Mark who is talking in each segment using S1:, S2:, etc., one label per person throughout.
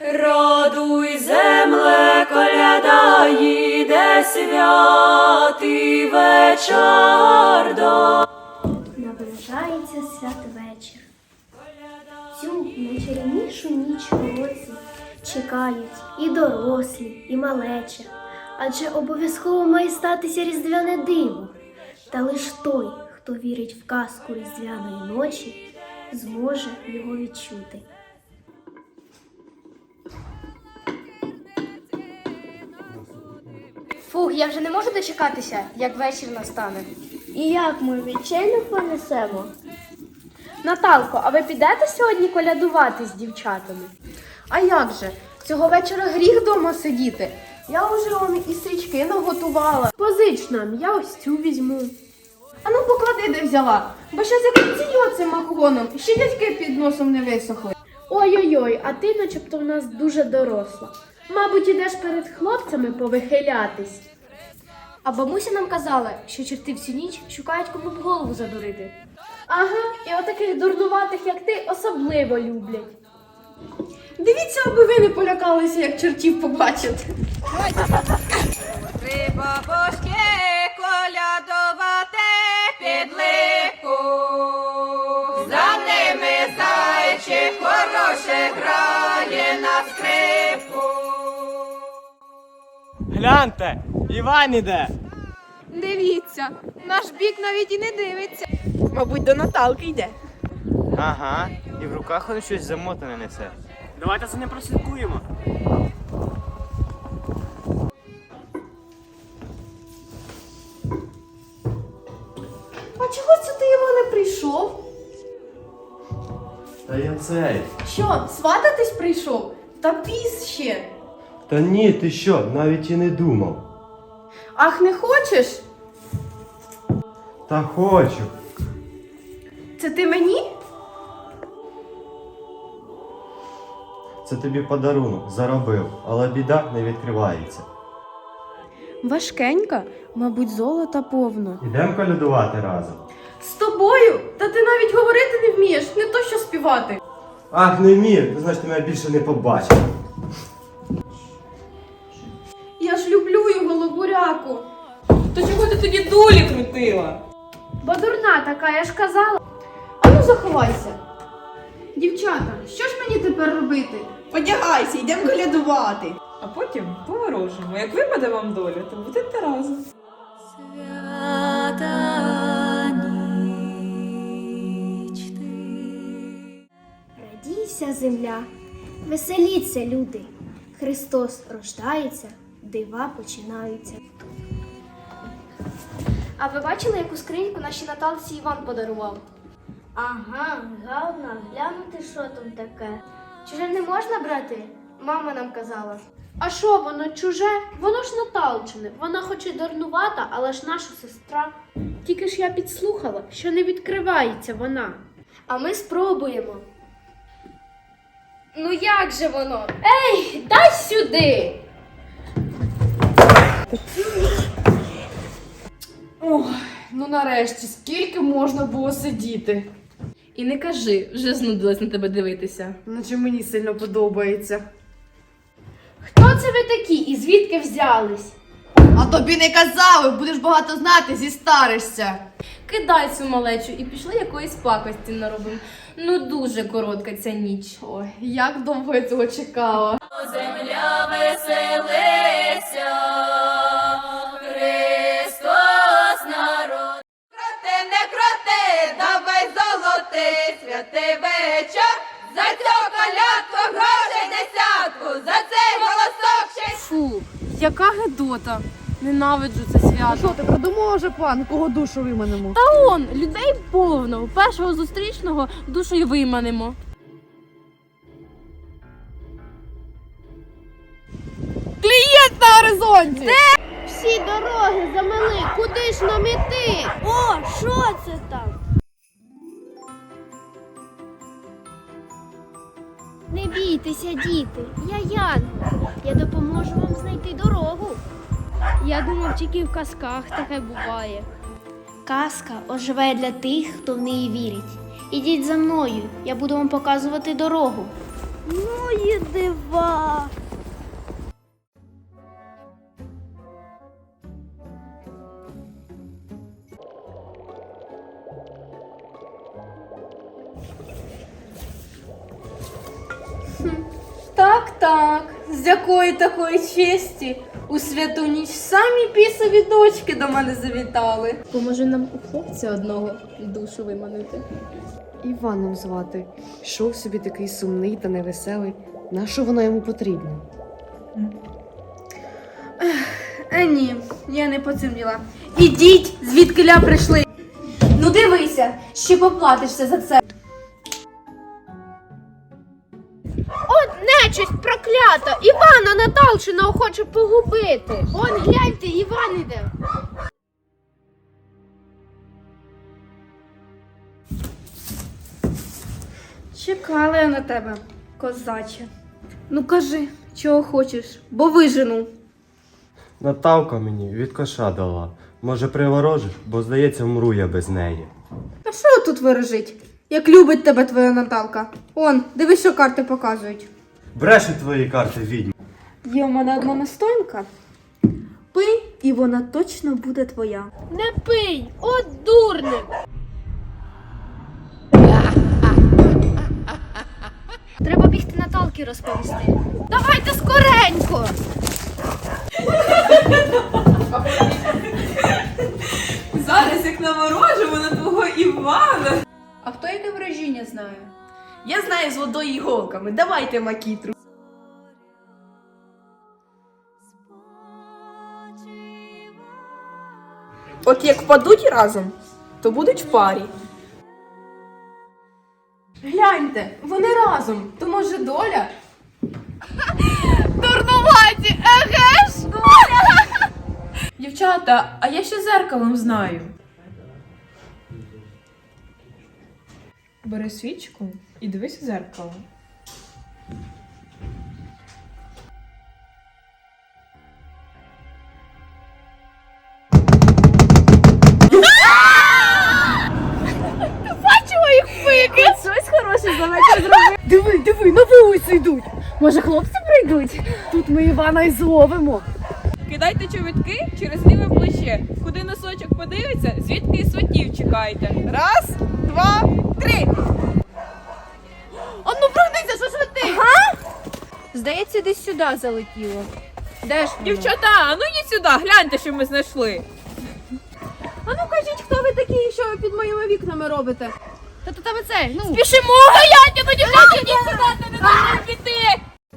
S1: Радуй, земле, коляда їде, святий вечір до.
S2: Наближається святвечір. Цю найчарівнішу ніч у році чекають і дорослі, і малеча. Адже обов'язково має статися різдвяне диво. Та лиш той, хто вірить в казку різдвяної ночі, зможе його відчути.
S3: Фух, я вже не можу дочекатися, як вечір настане.
S2: І як ми вечерю понесемо?
S3: Наталко, а ви підете сьогодні колядувати з дівчатами?
S4: А як же? Цього вечора гріх вдома сидіти. Я вже он і стрічки наготувала. Позич нам, я ось цю візьму. А ну поклади, де взяла, бо ще закриціє цим макогоном, ще дядьки під носом не висохли.
S3: Ой-ой-ой, а ти начебто в нас дуже доросла. Мабуть, ідеш перед хлопцями повихилятись. А бабуся нам казала, що чорти всю ніч шукають кому в голову задурити. Ага, і отаких дурнуватих, як ти, особливо люблять.
S4: Дивіться, аби ви не полякалися, як чортів побачите.
S1: Три бабушки колядувати під липу. За ними зайчик хороше грає на скрипку.
S5: Гляньте, Іван іде.
S4: Дивіться, наш бік навіть і не дивиться. Мабуть, до Наталки йде.
S5: Ага, і в руках він щось замотане несе. Давайте за ним прослідкуємо.
S4: А чого це ти його не прийшов?
S6: Та я цей.
S4: Що, свататись прийшов? Та піс ще.
S6: Та ні, ти що, навіть і не думав.
S4: Ах, не хочеш?
S6: Та хочу.
S4: Це ти мені?
S6: Це тобі подарунок, заробив, але біда не відкривається.
S4: Важкенька, мабуть, золота повно.
S6: Ідемо колядувати разом.
S4: З тобою? Та ти навіть говорити не вмієш, не то що співати.
S6: Ах, не вмію, значить ти мене більше не побачиш.
S4: Я ж люблю його, лобуряку.
S1: То чого ти тоді дулі крутила?
S3: Бо дурна така, я ж казала.
S4: А ну заховайся. Дівчата, що ж мені тепер робити?
S7: Одягайся, йдемо колядувати.
S1: А потім поворожимо. Як випаде вам доля, то будете разом. Свята ніч ти.
S2: Радійся, земля, веселіться, люди. Христос рождається, дива починаються.
S3: А ви бачили, яку скриньку нашій Наталці Іван подарував?
S2: Ага, гарно, глянути, що там таке.
S3: Чуже не можна брати? Мама нам казала. А що, воно чуже? Воно ж Наталчине. Вона хоч і дурнувата, але ж наша сестра. Тільки ж я підслухала, що не відкривається вона.
S2: А ми спробуємо.
S3: Ну як же воно? Ей, дай сюди!
S4: Ох, ну нарешті, скільки можна було сидіти?
S8: І не кажи, вже знудилась на тебе дивитися.
S4: Наче мені сильно подобається.
S3: Хто це ви такі і звідки взялись?
S7: А тобі не казали, будеш багато знати, зістаришся.
S8: Кидай цю малечу і пішли якоїсь пакості наробимо. Ну дуже коротка ця ніч.
S4: Ой, як довго я цього чекала.
S1: Земля веселиться, Христос народ. Крути, не крути, давай золотий святий вечір. За цю колядку грошей десятку, за цей голосок ще.
S8: Фу, яка гидота. Ненавиджу це свято.
S7: Що ти придумала вже план, кого душу виманемо?
S8: Та он, людей повно. Першого зустрічного душою виманемо.
S7: Клієнт на горизонті!
S2: Всі дороги замели, куди ж нам іти? О, що це там? Не бійтеся, діти, я Янгол. Я допоможу вам знайти дорогу.
S3: Я думав, тільки в казках таке буває.
S2: Казка оживає для тих, хто в неї вірить. Ідіть за мною, я буду вам показувати дорогу. Ну і дива.
S8: Так, з якої такої честі у святу ніч самі бісові дочки до мене завітали. Поможе нам у хлопця одного душу виманити.
S9: Іваном звати. Йшов собі такий сумний та невеселий. Нащо вона йому потрібна?
S8: Ні, я не по цим діла. Ідіть, звідкиля прийшли. Ну дивися, ще поплатишся за це.
S3: От нечисть проклята! Івана Наталчина хоче погубити! Он гляньте, Іван іде!
S8: Чекала я на тебе, козаче. Ну кажи, чого хочеш, бо вижену.
S6: Наталка мені від коша дала. Може, приворожиш, бо здається, вмру я без неї.
S8: А що тут виражить? Як любить тебе твоя Наталка. Он, дивись, що карти показують.
S6: Брешуть твої карти, відьма.
S8: Є в мене одна настоянка. Пий, і вона точно буде твоя.
S3: Не пий! От дурник! Треба бігти Наталки розповісти. Давайте скоренько!
S1: Зараз як наворожимо на твого Івана.
S7: А хто яке вражіння знає?
S1: Я знаю з водою і іголками. Давайте макітру. От як впадуть разом, то будуть в парі.
S7: Гляньте, вони разом. То може доля?
S1: Дурнуваті, еге ж?
S7: Дівчата, а я ще зеркалом знаю. Бери свічку і дивись у зеркало.
S3: Диви, на вулицю йдуть! Може, хлопці прийдуть? Тут ми Івана й зловимо.
S1: Кидайте чобітки через ліве плече. Куди носочок подивиться, звідки і сватів чекайте. Раз, два, три.
S7: Ану, прогнися, що ж ви ти? Здається, десь сюди залетіло. Де ж воно?
S1: Дівчата, а ну йдіть сюди, гляньте, що ми знайшли.
S7: Ану, кажіть, хто ви такі і що ви під моїми вікнами робите? Та то тебе це, ну.
S1: Спішимо, гаяньте, ну дівчата, йдіть сюди, не дайте піти.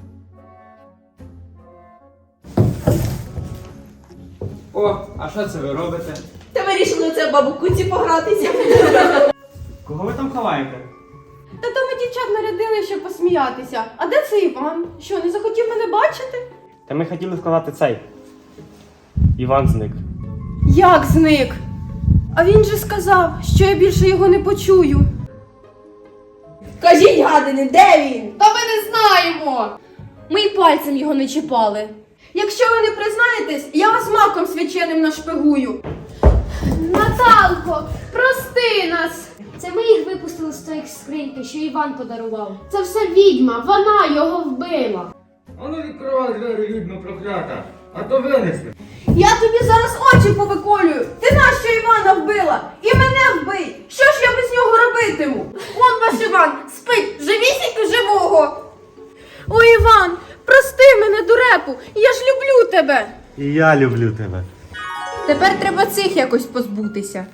S5: О, а що це ви робите?
S1: Та вирішили це бабу куці погратися.
S5: Кого ви там ховаєте?
S7: Та то ми дівчат нарядили, щоб посміятися. А де це Іван? Що, не захотів мене бачити?
S5: Та ми хотіли вкладати цей. Іван зник.
S7: Як зник? А він же сказав, що я більше його не почую.
S1: Кажіть, гадини, де він?
S8: Та ми не знаємо. Ми й пальцем його не чіпали.
S7: Якщо ви не признаєтесь, я вас маком свяченим нашпигую.
S3: Наталко, прости нас! Це ми їх випустили з тої скриньки, що Іван подарував. Це все відьма, вона його вбила.
S10: Ану відкривай двері, відьма проклята, а то винесли.
S7: Я тобі зараз очі повиколюю. Ти нащо Івана вбила? І мене вбий. Що ж я без нього робитиму? Он ваш Іван спить, живісінько живого. О, Іван, прости мене, дурепу, я ж люблю тебе.
S6: І я люблю тебе.
S7: Тепер треба цих якось позбутися.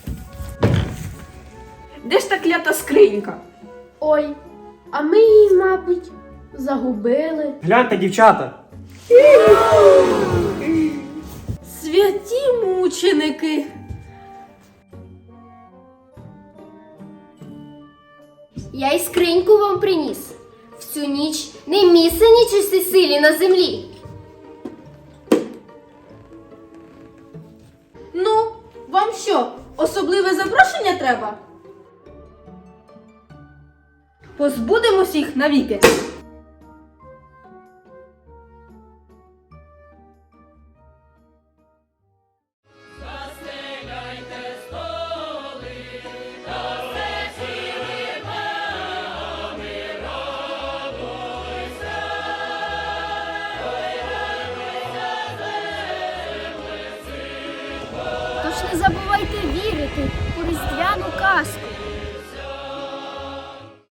S1: Де ж та клята скринька?
S3: Ой, а ми її, мабуть, загубили.
S5: Гляньте, дівчата!
S8: Святі мученики.
S2: Я й скриньку вам приніс. Всю ніч не місце нічистій силі на землі.
S7: Ну, вам що, особливе запрошення треба? Позбудемось їх навіки.
S2: не забувайте вірити у різдвяну казку.